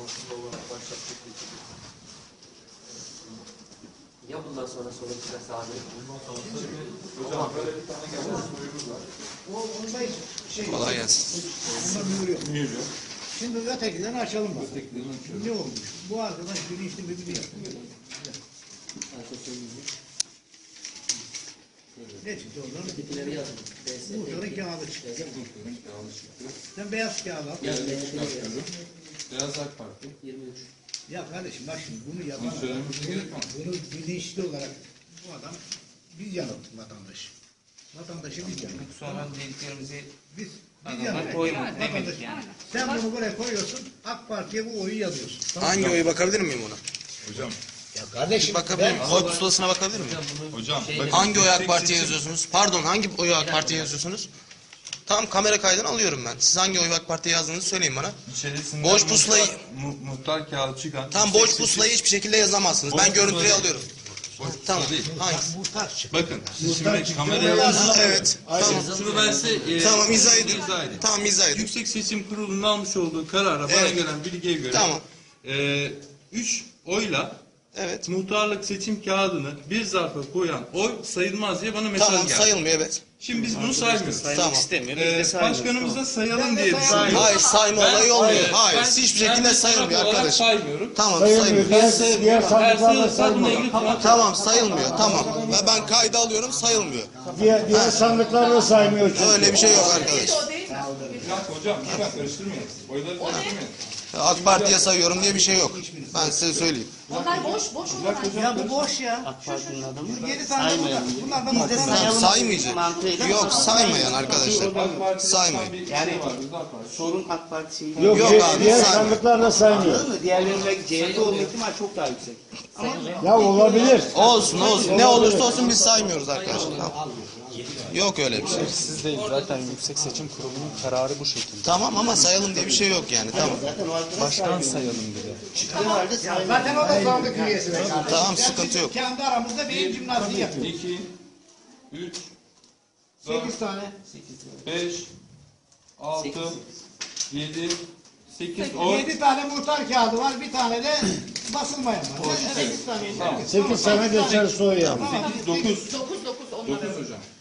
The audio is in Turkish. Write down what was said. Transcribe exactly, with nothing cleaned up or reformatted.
Ya bundan sonra sonuç çıkarsa abi? Hocam böyle bir tane gelmiş soyumuz var. O onda şey. Kolay gelsin. Onda mühür yok. Mühür yok. Şimdi ötekilerini açalım bak. Ötekilerini açıyorum. Ne olmuş? Bu arkadaş bilinçli mi biliyor. Ne çıktı oradan? Bitkileri yazın. Muhtarın kağıdı çıktı. Muhtarın kağıdı çıktı. Sen beyaz kağıdı al. Beyaz çıkartıyorum. Beyaz AK Parti. yirmi üç. Ya kardeşim bak şimdi bunu yapan Bunu söylememiz gerekmez. bunu bilinçli olarak bu adam biz yanılttık vatandaşı. Vatandaşı biz yanılttık. Sonra dediklerimizi Biz, biz adamlar yanılttık. koymadı demedik Vatandaş- yani. Sen bunu buraya koyuyorsun, AK Parti'ye bu oyu yazıyorsun. Tamam. Hangi oyu bakabilir miyim ona? Hocam. Ya kardeşim Bakabilir miyim? ben- Oy pusulasına bakabilir miyim? Hocam. Hangi oyu AK Parti'ye yazıyorsunuz? Pardon, hangi oyu AK Parti'ye yazıyorsunuz? Tamam, kamera kaydını alıyorum ben. Siz hangi oyu AK Parti'ye yazdığınızı söyleyin bana. İçerisinden Boş pusulayı- muhtar, mu, muhtar kağıdı çıkan. Tamam, boş pusulayı hiçbir şekilde yazamazsınız. Boş Ben görüntüyü pusula- alıyorum. Boş Tamam, pusula değil. hangisi? Muhtar çıktı. Bakın siz Muhtar şimdi çıktı. kameraya Ha, evet, tamam. Şunu ben size e, Tamam, izah edin. izah edeyim. Tamam, izah edin. Yüksek Seçim Kurulu'nun almış olduğu karara bana Evet. gelen bilgiye göre Tamam. e, üç oyla Evet. muhtarlık seçim kağıdını bir zarfa koyan oy sayılmaz diye bana mesaj Tamam, geldi. sayılmıyor, evet. Şimdi biz bunu saymıyoruz. Tamam. istemiyor. Ee, Biz de saymıyoruz. başkanımıza sayalım Ben de diye sayalım. düşünüyorum. Hayır, sayma Ben- olayı olmuyor. Hayır, Hayır, ben- hiçbir ben şekilde de sayılmıyor olarak arkadaşım. saymıyorum. Tamam, Sayılmıyor. sayılmıyor. Diğer, diğer sandıklarla sayılmıyor. Tamam, sayılmıyor. Tamam. Ve ben kayda alıyorum, sayılmıyor. Diğer, diğer sandıklarla saymıyor çünkü. Öyle bir şey yok arkadaş. Bir dakika hocam, lütfen karıştırmayın. Oyları karıştırmayın. AK Parti'ye sayıyorum diye bir şey yok. Ben size söyleyeyim. Onlar boş, boş olarak. Ya bu boş ya. AK Parti'nin adamı Yedi tane burada. Bunlardan Biz de muhtar. sayalım. Saymayacak. Mantığıyla Yok, saymayan arkadaşlar. AK Parti'de Saymayın. bir Yani- şey var, Rıza Partisi. sorun AK Parti şeyi. Yok, Yok diğer, abi, diğer saymıyor. sandıklarla saymıyor. Anladın mı? Diğerlerinin belki C H P olma ihtimali çok daha yüksek. Ya olabilir. Olsun olsun. Ne olursa olsun biz saymıyoruz arkadaşlar. Tamam. Yok öyle bir şey. Siz değil, zaten Yüksek Seçim Kurulu'nun kararı bu şekilde. Tamam ama sayalım diye bir şey yok yani. Tamam. Zaten o arkadaş Başkan saymıyor. sayalım dedi. Çıktığı halde saymıyor. Zaten o da sandık üyesi. be kardeşim. Tamam, Sen sıkıntı bizim yok. Kendi aramızda beyin jimnastiği yapıyoruz. iki, üç, Sekiz tane. beş, altı, yedi, sekiz, on. Yedi tane muhtar kağıdı var. Bir tane de basılmayan var. Yani sekiz tane. Sekiz sene geçer soy yani. dokuz. Dokuz dokuz onlara. dokuz hocam.